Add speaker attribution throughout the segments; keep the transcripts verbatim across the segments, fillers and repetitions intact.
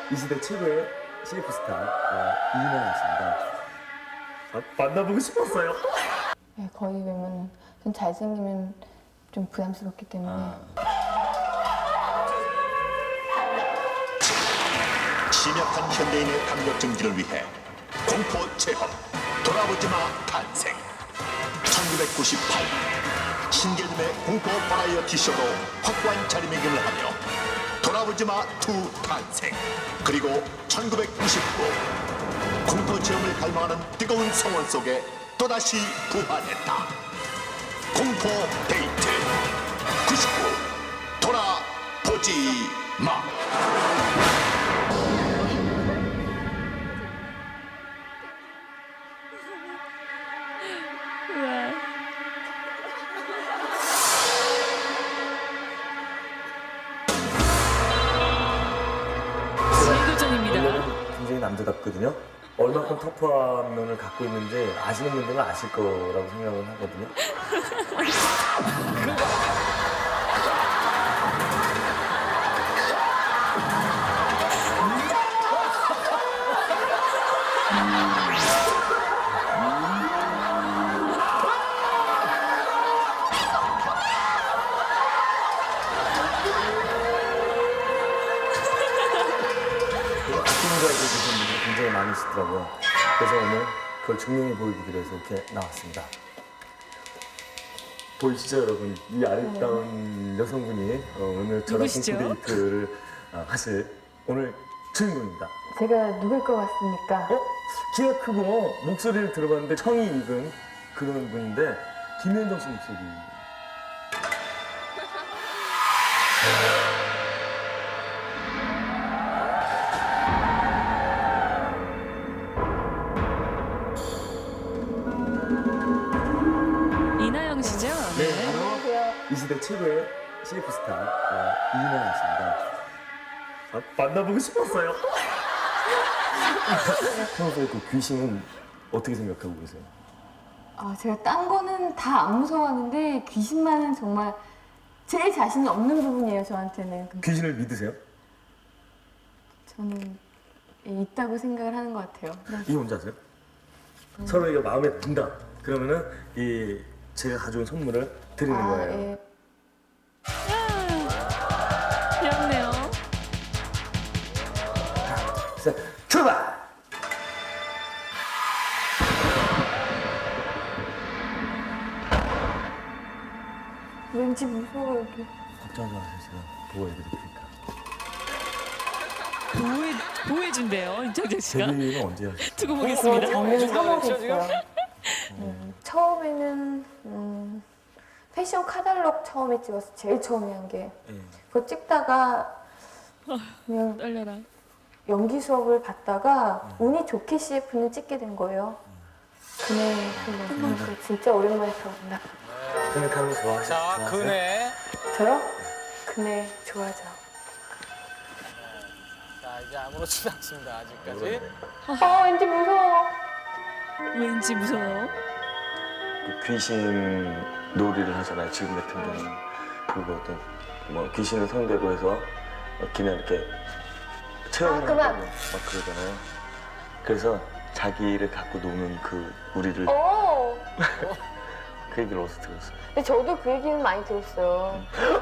Speaker 1: 이 시대 최고의 씨에프 스타 어, 이인영 씨입니다. 아, 만나보고 싶었어요.
Speaker 2: 네, 거의 왜냐면 좀 잘생기면 좀 부담스럽기 때문에.
Speaker 1: 아.
Speaker 3: 심약한 현대인의 담력 증진을 위해 공포 체험 돌아보지마 탄생. 천구백구십팔 신개념의 공포 버라이어티 쇼로 확고한 자리매김을 하며 돌아보지마 투 탄생. 그리고 천구백구십구 공포 체험을 갈망하는 뜨거운 성원 속에 또다시 부활했다. 공포 데이트 구십구 돌아보지 마.
Speaker 1: 굉장히 남자답거든요. 얼마큼 터프한 면을 갖고 있는지 아시는 분들은 아실 거라고 생각을 하거든요. 굉장히 많으시더라고요. 그래서 오늘 그걸 증명해 보이기 위해서 이렇게 나왔습니다. 보이시죠, 여러분? 이 아름다운 네. 여성분이 어, 오늘 저랑
Speaker 4: 누구시죠?
Speaker 1: 공포 데이트를 어, 하실 오늘 주인공입니다.
Speaker 2: 제가 누굴 것 같습니까?
Speaker 1: 어? 키가 크고 목소리를 들어봤는데 청이 익은 그런 분인데 김현정 씨 목소리.
Speaker 4: 이나영 씨죠?
Speaker 1: 네, 바로 이 시대 최고의 씨에프 스타 어, 이인영 씨입니다. 아, 만나보고 싶었어요. 평소에 그 귀신은 어떻게 생각하고 계세요?
Speaker 2: 아, 제가 딴 거는 다 안 무서워하는데 귀신만은 정말 제일 자신이 없는 부분이에요, 저한테는. 근데
Speaker 1: 귀신을 믿으세요?
Speaker 2: 저는 있다고 생각을 하는 것 같아요. 네.
Speaker 1: 이게 뭔지 아세요? 음. 서로 이거 마음에 든다. 그러면은 이 제가 가져온 선물을 드리는
Speaker 2: 아,
Speaker 1: 거예요.
Speaker 2: 예.
Speaker 4: 귀엽네요.
Speaker 1: 자, 출발!
Speaker 2: 왠지 무서워, 여기.
Speaker 1: 걱정하지 마세요. 제가 보호해드릴게요.
Speaker 4: 보호해, 보호해준대요, 임창정 씨가.
Speaker 1: 데뷔는 언제 하셨어요?
Speaker 4: 두고
Speaker 2: 저
Speaker 4: 보겠습니다.
Speaker 2: 작년 삼월에 했어요. 음, 처음에는 음, 패션 카탈로그 처음에 찍었어. 제일 처음에 한 게.
Speaker 1: 예.
Speaker 2: 그거 찍다가 그냥
Speaker 4: 떨려라.
Speaker 2: 연기 수업을 받다가 운이 좋게 씨에프는 찍게 된 거예요. 그네, 그네. 그 진짜 오랜만에 들어본다.
Speaker 1: 그네 타는 거 좋아하세요?
Speaker 5: 자,
Speaker 1: 좋아하세요?
Speaker 5: 그네.
Speaker 2: 저요? 그네 좋아하죠.
Speaker 5: 자, 이제 아무렇지도 않습니다, 아직까지.
Speaker 2: 아, 왠지 무서워.
Speaker 4: 왠지 무서워.
Speaker 1: 그 귀신 놀이를 하잖아요. 지금 같은 경우는. 그리고 어떤 뭐 귀신을 상대로 해서 그냥 이렇게 체험을
Speaker 2: 아, 그만.
Speaker 1: 하고 막 그러잖아요. 그래서 자기를 갖고 노는 그 우리를
Speaker 2: 오!
Speaker 1: 그 얘기를 어디서 들었어요?
Speaker 2: 근데 저도 그 얘기는 많이 들었어요.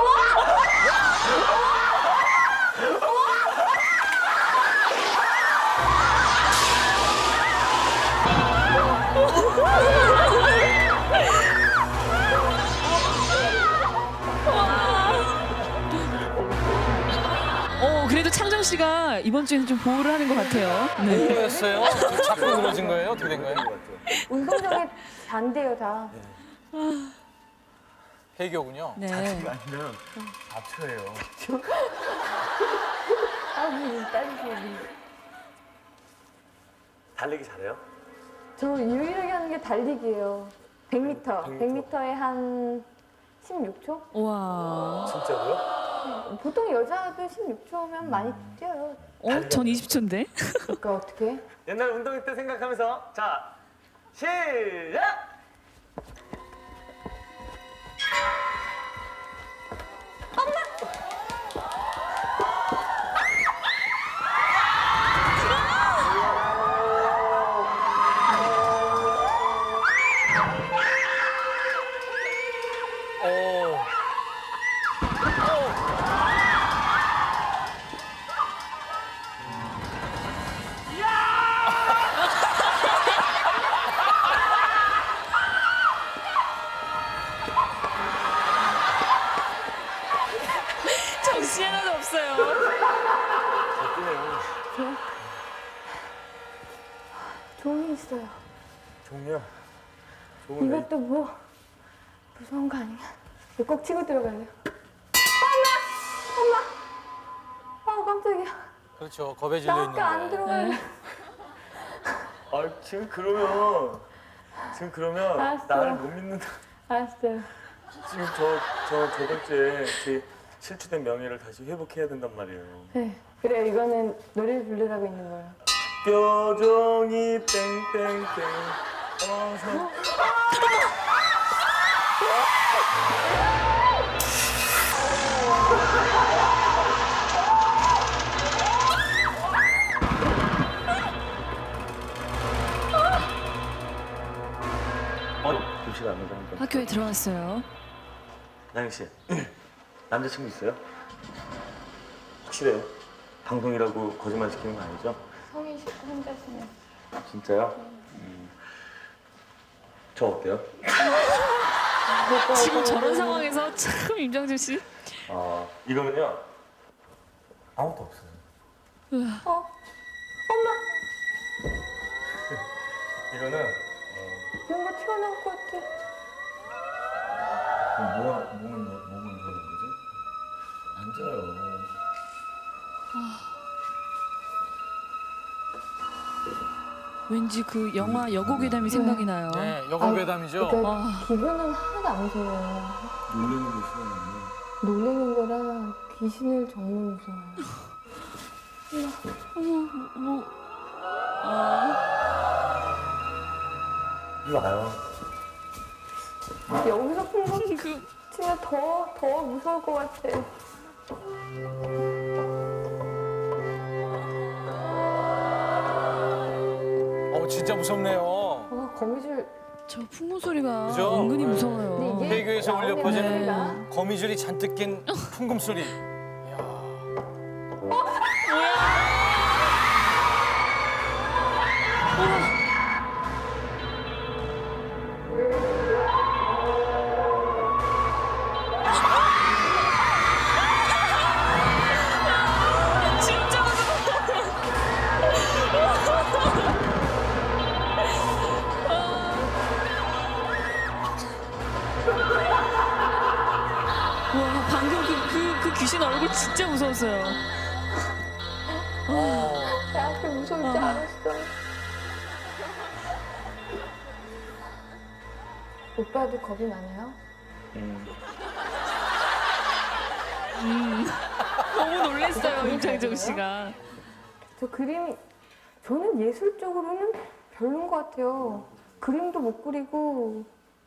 Speaker 4: 어, 그래도 창정 씨가 이번 주에는 좀 보호를 하는 것 같아요. 네.
Speaker 5: 뭐였어요? 자꾸 늘어진 거예요? 어떻게 된 거예요?
Speaker 2: 운동장에 잔대요, 다.
Speaker 5: 해교군요.
Speaker 4: 네.
Speaker 1: 아니면 잡초예요.
Speaker 2: 아, 무슨 딸기.
Speaker 1: 달리기 잘해요?
Speaker 2: 저 유일하게 하는 게 달리기예요. 백 미터. 백 미터에 한 십육 초?
Speaker 4: 와.
Speaker 1: 진짜로요?
Speaker 2: 보통 여자들 십육 초면 많이 뛰어요.
Speaker 4: 어, 전 이십 초인데?
Speaker 2: 그러니까 어떻게?
Speaker 1: 옛날 운동회 때 생각하면서 자 시작!
Speaker 2: 있어요.
Speaker 1: 종이야. 좋은 애.
Speaker 2: 이것도 뭐 무서운 거 아니야? 이거 꼭 치고 들어가야 돼요. 엄마! 엄마! 아 깜짝이야.
Speaker 5: 그렇죠. 겁에 질려
Speaker 2: 나
Speaker 5: 있는데.
Speaker 2: 학교 안 들어가요.
Speaker 1: 아 지금 그러면 지금 그러면
Speaker 2: 알았어.
Speaker 1: 나를 못 믿는다.
Speaker 2: 알았어요.
Speaker 1: 지금 저 저 저번 주에 제 실추된 명예를 다시 회복해야 된단 말이에요.
Speaker 2: 네. 그래요. 이거는 노래 부르라고 있는 거예요.
Speaker 1: 뼈종이 땡땡땡 어서 어? 도시가 안 오다.
Speaker 4: 학교에 들어왔어요.
Speaker 1: 나영 씨 남자친구 있어요? 확실해요? 방송이라고 거짓말 시키는 거 아니죠?
Speaker 2: 성인 식구 혼자시면.
Speaker 1: 진짜요? 음. 저 어때요?
Speaker 4: 지금 저런 상황에서 참 임장준 씨.
Speaker 1: 아 이거는요 아무것도 없어요.
Speaker 2: 어? 엄마!
Speaker 1: 이거는
Speaker 2: 뭔가 튀어나올 것 같아.
Speaker 1: 어, 뭐가 몸을 뭐- 몸을 보는 거지? 앉아요.
Speaker 4: 왠지 그 영화 여고괴담이 생각이 나요.
Speaker 5: 네, 여고괴담이죠.
Speaker 2: 그러니까
Speaker 4: 아.
Speaker 2: 기분은 하나도 안 무서워요.
Speaker 1: 놀래는 거 싫어하는데.
Speaker 2: 놀래는 거랑 귀신을 정말 무서워요.
Speaker 4: 어머, 뭐, 아,
Speaker 1: 이리 와요.
Speaker 2: 여기서 풍선
Speaker 4: 그
Speaker 2: 치면 더, 더 무서울 것 같아.
Speaker 5: 어, 진짜 무섭네요.
Speaker 2: 아, 거미줄.
Speaker 4: 저 풍문 소리가
Speaker 5: 그죠?
Speaker 4: 은근히
Speaker 5: 네.
Speaker 4: 무서워요.
Speaker 2: 근데 이게
Speaker 5: 폐교에서 울려
Speaker 2: 나오는
Speaker 5: 퍼지는
Speaker 2: 소리가
Speaker 5: 거미줄이 잔뜩 낀 풍금 소리. 이야.
Speaker 4: 진짜 무서워. 와, 방금 그, 그, 그 귀신 얼굴 진짜 무서웠어요.
Speaker 2: 나한테 무서울 줄 알았어. 오빠도 겁이 많아요?
Speaker 4: 너무 놀랐어요, 임창정 씨가.
Speaker 2: 저 그림, 저는 예술적으로는 별론 것 같아요. 그림도 못 그리고.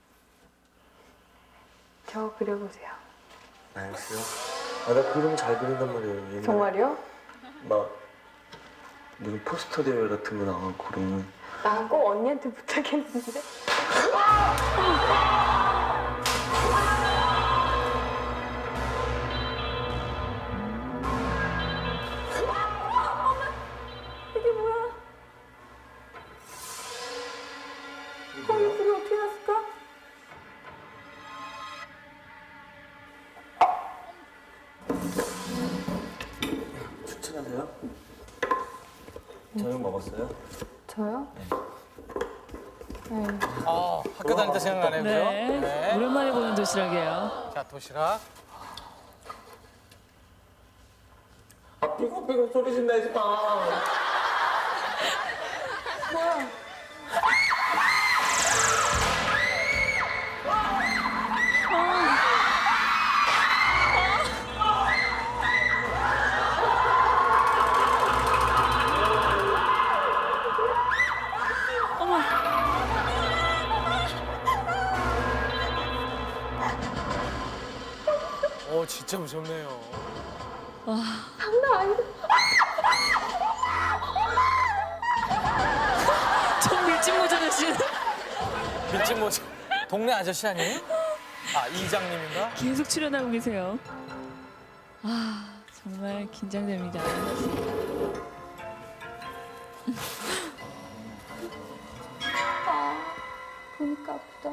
Speaker 2: 저 그려보세요.
Speaker 1: 나영 씨요? 아, 나 그림 잘 그린단 말이에요. 옛날에
Speaker 2: 정말요?
Speaker 1: 막 무슨 포스터 대회 같은 거 나가고 그러면
Speaker 2: 나 꼭 언니한테 부탁했는데. 이게 뭐야? 거미 불이 어떻게 났을까?
Speaker 1: 추천하세요? 저녁 먹었어요?
Speaker 2: 저요? 네.
Speaker 5: 아, 학교 다닐 때 생각나네요. 그죠?
Speaker 4: 네.
Speaker 5: 네.
Speaker 4: 오랜만에 보는 도시락이에요.
Speaker 5: 자, 도시락.
Speaker 1: 아 삐걱삐걱 소리 좀 내지 마.
Speaker 2: 뭐야?
Speaker 5: 어, 진짜 무섭네요.
Speaker 2: 장난 아니다.
Speaker 4: 전 밀짚 모자 대신
Speaker 5: 밀짚 모자. 동네 아저씨 아니에요? 아, 이장님인가?
Speaker 4: 계속 출연하고 계세요. 아, 정말 긴장됩니다.
Speaker 2: 아, 보니까 아프다.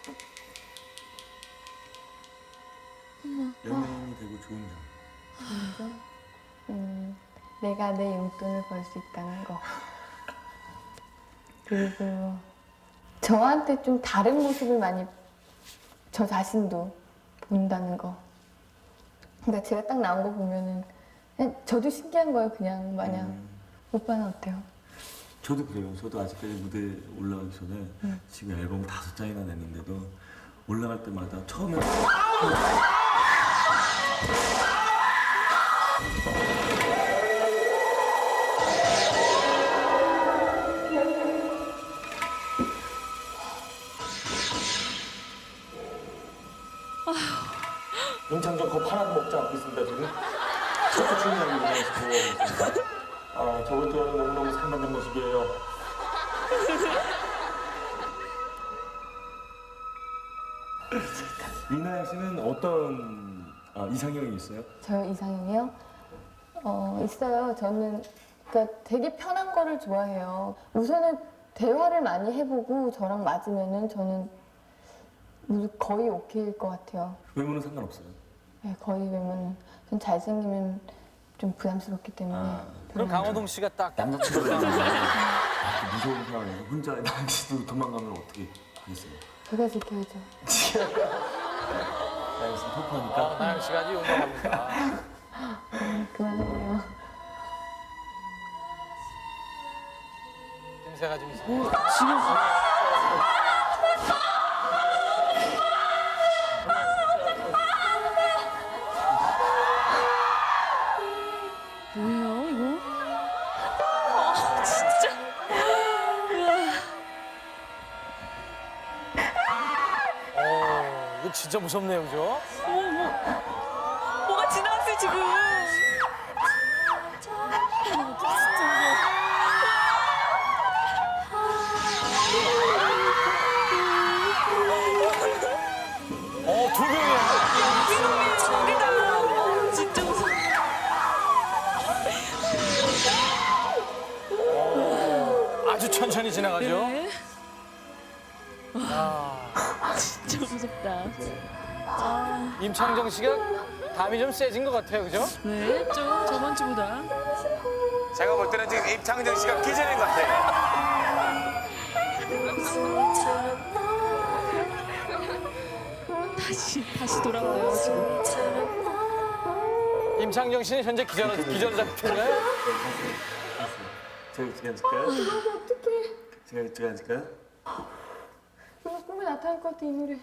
Speaker 1: 연예인이 되고 좋은 점.
Speaker 2: 음, 내가 내 용돈을 벌 수 있다는 거. 그리고 저한테 좀 다른 모습을 많이 저 자신도 본다는 거. 그러니까 제가 딱 나온 거 보면은 그냥 저도 신기한 거예요. 그냥 마냥.
Speaker 1: 음.
Speaker 2: 오빠는 어때요?
Speaker 1: 저도 그래요. 저도 아직까지 무대 올라가기 전에
Speaker 2: 음.
Speaker 1: 지금 앨범 다섯 장이나 냈는데도 올라갈 때마다 처음에 임창정 거 하나도 먹지 않고 있습니다 지금. 첫째 출연하기 위해서 보고 있습니다. 아 저번 주에는 너무너무 상반된 모습이에요. 이나영 씨는 어떤 아, 이상형이 있어요?
Speaker 2: 저 이상형이요? 어, 있어요. 저는 그러니까 되게 편한 거를 좋아해요. 우선은 대화를 많이 해보고 저랑 맞으면은 저는 거의 오케이일 것 같아요.
Speaker 1: 외모는 상관없어요.
Speaker 2: 네, 거의 왜냐면 전 잘생기면 좀 부담스럽기 때문에.
Speaker 1: 아,
Speaker 5: 그럼 강호동 씨가 딱
Speaker 1: 남자친구가 있는데 이렇게 무서운 상황에서 혼자 나영 씨도 도망가면 어떻게 하겠어요?
Speaker 2: 제가 지켜야죠.
Speaker 1: 나영 씨
Speaker 5: 어,
Speaker 1: 터프하니까.
Speaker 5: 나영 씨가 아주 용감합니다.
Speaker 2: 그만하고요.
Speaker 5: 냄새가 좀 이상.
Speaker 4: 지금 뭐예요 이거? 아 진짜.
Speaker 5: 어, 이거 진짜 무섭네요, 그죠?
Speaker 4: 어머 뭐 뭐가 지나갔어요 지금. 진짜 무서워.
Speaker 5: 어, 두 명이야.
Speaker 4: 이놈이 저기다. 진짜 무서워.
Speaker 5: 아주 천천히 지나가죠.
Speaker 4: 네.
Speaker 5: 아,
Speaker 4: 진짜 무섭다.
Speaker 5: 임창정 씨가 담이 좀 세진 것 같아요, 그죠?
Speaker 4: 네, 좀 저번 주보다.
Speaker 6: 제가 볼 때는 지금 임창정 씨가 기절인 것 같아요.
Speaker 4: 다시 다시 돌아와요 지금.
Speaker 5: 임창정 씨는 현재 기절 기절 상태인가요?
Speaker 1: 제가 어떻게 앉을까요? 제가 어떻게 앉을까요?
Speaker 2: 이거 꿈에 나타날 것 같아, 이 노래.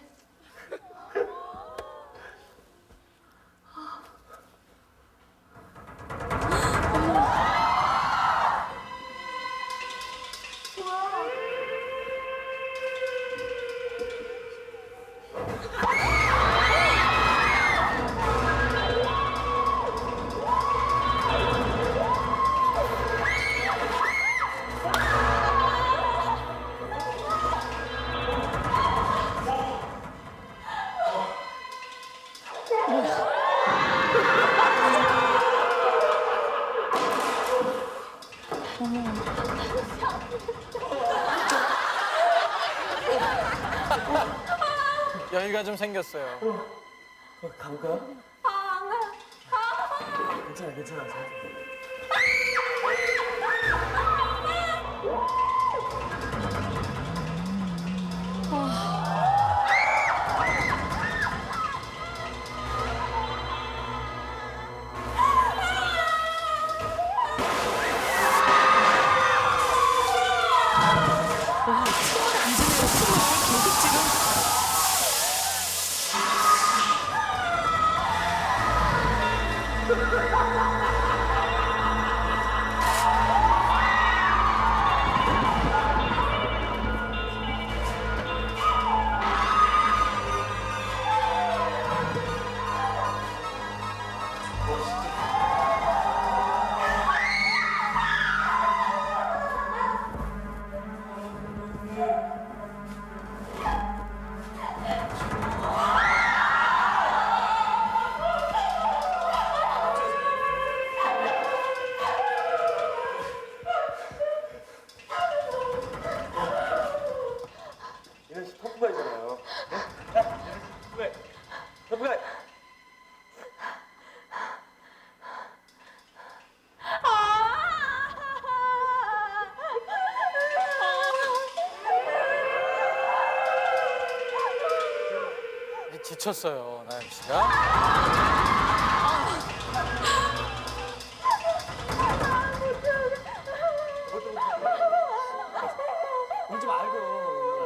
Speaker 5: 여유가 좀 생겼어요.
Speaker 1: 어, 가볼까요? 아, 안 가요. 아. 괜찮아, 괜찮아.
Speaker 4: 와, 치마를 안 지내요. 치마를 계속 지금.
Speaker 5: 외쳤어요, 나영 씨가. 울지 말고.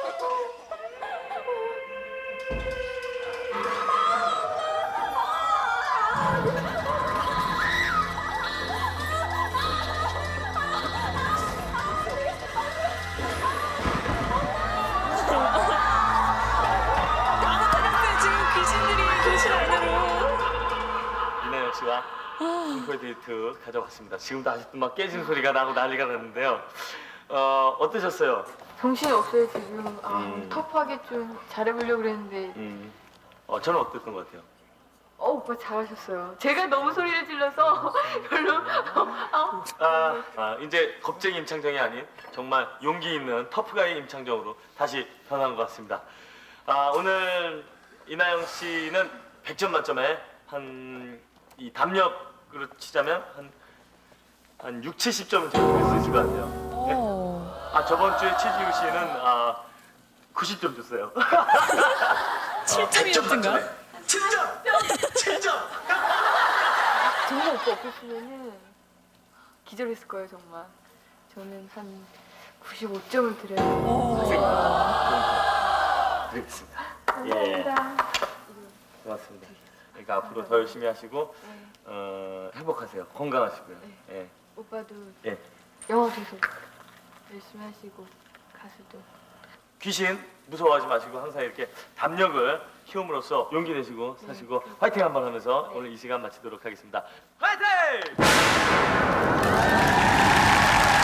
Speaker 4: 지금 귀신들이 교실 안으로.
Speaker 1: 이나영 씨와 공포의 데이트 가져왔습니다. 지금도 아직도 막 깨진 소리가 나고 난리가 났는데요. 어, 어떠셨어요?
Speaker 2: 정신이 없어요 지금. 아,
Speaker 1: 음.
Speaker 2: 터프하게 좀 잘해보려고 그랬는데
Speaker 1: 음, 어, 저는 어땠던 것 같아요?
Speaker 2: 어 오빠 잘하셨어요. 제가 너무 소리를 질러서 별로 아,
Speaker 1: 아, 아, 이제 겁쟁이 임창정이 아닌 정말 용기 있는 터프가이 임창정으로 다시 변한 것 같습니다. 아, 오늘 이나영 씨는 백 점 만점에 한 이 담력으로 치자면 한, 한 육, 칠십 점은 제가 줄 수 있을 것 같아요. 네?
Speaker 4: 오.
Speaker 1: 아, 저번 주에 최지우 씨는 아, 구십 점 줬어요.
Speaker 4: 칠 점이었던가?
Speaker 1: 칠 점! 칠 점!
Speaker 2: 정말 오빠 없었으면은 기절했을 거예요 정말. 저는 한 구십오 점을 드려요.
Speaker 1: 드리겠습니다.
Speaker 2: 감사합니다.
Speaker 1: 고맙습니다. 그러니까 앞으로 더 열심히 하시고 어, 행복하세요. 건강하시고요. 예.
Speaker 2: 오빠도
Speaker 1: 예.
Speaker 2: 영화 계속 열심히 하시고 가수도.
Speaker 1: 귀신 무서워하지 마시고 항상 이렇게 담력을 키움으로써 용기 내시고 사시고 화이팅 한번 하면서 오늘 이 시간 마치도록 하겠습니다. 화이팅!